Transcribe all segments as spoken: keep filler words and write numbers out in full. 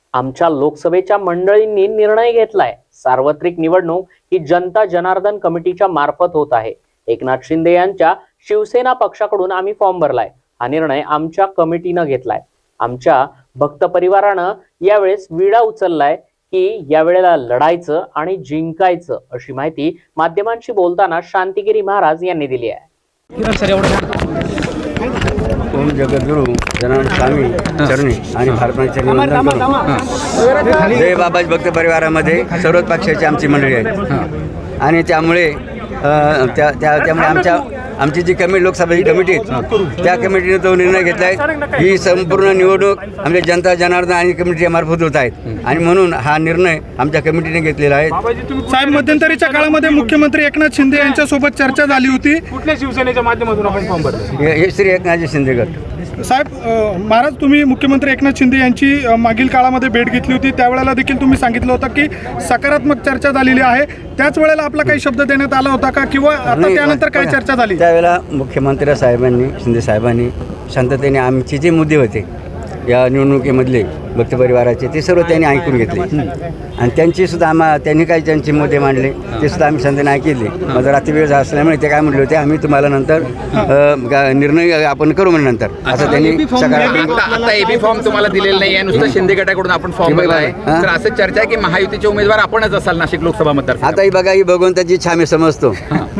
आमच्या लोकसभेच्या मंडळींनी निर्णय घेतलाय, सार्वत्रिक निवडणूक ही जनता जनार्दन कमिटीच्या मार्फत होत आहे। एकनाथ शिंदे यांच्या शिवसेना पक्षाकडून आम्ही फॉर्म भरलाय। हा निर्णय आमच्या कमिटीनं घेतलाय। आमच्या भक्त परिवारानं यावेळेस विडा उचललाय की यावेळेला लढायचं आणि जिंकायचं, अशी माहिती माध्यमांशी बोलताना शांतिगिरी महाराज यांनी दिली आहे। ओम जगद्गुरु जनार्दन स्वामी चरणी आणि भारताचे वंदन करू। जय बाबाजी भक्त परिवारामध्ये सर्वच पक्षाची आमची मंडळी आहेत आणि त्यामुळे त्या त्यामुळे आमच्या आमची जी कमिटी लोकसभेची कमिटी आहे त्या कमिटीने तो निर्णय घेतला आहे। ही संपूर्ण निवडणूक आमच्या जनता जनार्दन आणि कमिटीच्या मार्फत होत आहेत आणि म्हणून हा निर्णय आमच्या कमिटीने घेतलेला आहे। साहेब, मध्यंतरीच्या काळामध्ये मुख्यमंत्री एकनाथ शिंदे यांच्यासोबत चर्चा झाली होती। कुठल्या शिवसेनेच्या माध्यमातून आपण फॉर्म भरला? हे श्री एकनाथजी शिंदे गट। साहेब, महाराज, तुम्ही मुख्यमंत्री एकनाथ शिंदे यांची मागील काळामध्ये भेट घेतली होती, त्यावेळेला देखील तुम्ही सांगितलं होतं की सकारात्मक चर्चा झालेली आहे। त्याच वेळेला आपला काही शब्द देण्यात आला होता का, किंवा आता त्यानंतर काय चर्चा झाली? त्यावेळेला मुख्यमंत्री साहेबांनी शिंदे साहेबांनी शांततेने आमचे जे मुद्दे होते या निवडणुकीमधले भक्त परिवाराचे ते सर्व त्यांनी ऐकून घेतले आणि त्यांची सुद्धा आम्हा त्यांनी काही त्यांचे मुद्दे मांडले ते सुद्धा आम्ही शांततेने ऐकले। माझा रात्री वेळ असल्यामुळे ते काय म्हटले होते, आम्ही तुम्हाला नंतर निर्णय आपण करू म्हणजे नंतर असं त्यांनी सकारात्मक। आता एबी फॉर्म तुम्हाला दिलेला नाही आहे, नुसतं शिंदे गटाकडून आपण फॉर्म भरला आहे, तर असं चर्चा आहे की महायुतीचे उमेदवार आपणच असाल नाशिक लोकसभा मतदार। आता ही बघा, ही भगवंताची इच्छा आम्ही समजतो,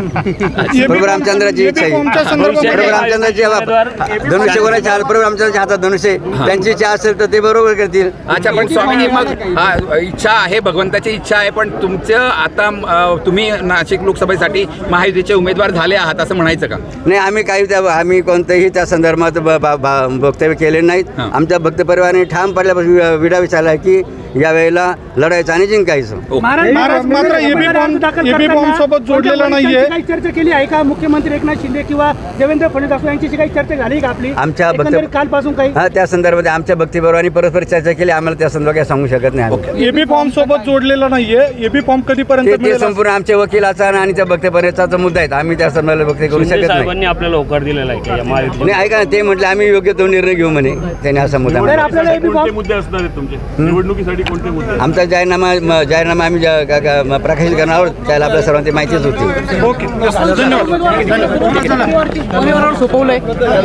प्रभू रामचंद्राची इच्छा आहे, प्रभू रामचंद्राची धनुष्य कोणाच्या हातात, प्रभू रामचंद्राच्या हातात धनुष्य, त्यांची इच्छा असेल तर ते बरोबर करतील। अच्छा, पण स्वामीजी, मग हा इच्छा आहे, भगवंताची इच्छा आहे, पण तुमचं आता तुम्ही नाशिक लोकसभेसाठी महायुतीचे उमेदवार झाले आहात असं म्हणायचं का? नाही, आम्ही काही त्या आम्ही कोणत्याही त्या संदर्भात वक्तव्य केले नाहीत। आमच्या भक्त परिवाराने ठाम पडल्यापासून विडा विचारला की यावेळेला लढायचं आणि जिंकायचं। महाराज, मात्र एबी फॉर्म एबी फॉर्म सोबत जोडलेला नाहीये। काही चर्चा केली आहे का मुख्यमंत्री एकनाथ शिंदे किंवा देवेंद्र फडणवीस यांची काही चर्चा झाली का आपली आमच्या भक्त कालपासून? काही हा, त्या संदर्भात आमच्या भक्ती परिवाराने परस्पर चर्चा केली, आम्हाला त्या संदर्भात काय सांगू शकत नाही। एबी फॉर्म सोबत जोडलेला नाहीये, एबी फॉर्म कधीपर्यंत ते संपूर्ण आमच्या वकिलाचा आणि त्या भक्त परिवाराचा मुद्दा आहे, आम्ही त्या संदर्भात वक्तव्य करू शकत नाही। आपल्याला होकार दिलेला आहे नाही, ऐका ना, ते म्हटले आम्ही योग्य तो निर्णय घेऊ म्हणे, त्याने असा मुद्दा तर आपल्याला एबी फॉर्म मुद्दे असणार आहेत तुमचे निवडणुकीसाठी? कोणते मुद्दे? आमचा जाहीरनामा जाहीरनामा आम्ही प्रकाशित करणार आहोत, त्याला आपल्या सर्वांची माहितीच होती। ओके, धन्यवाद। सोपवलंय।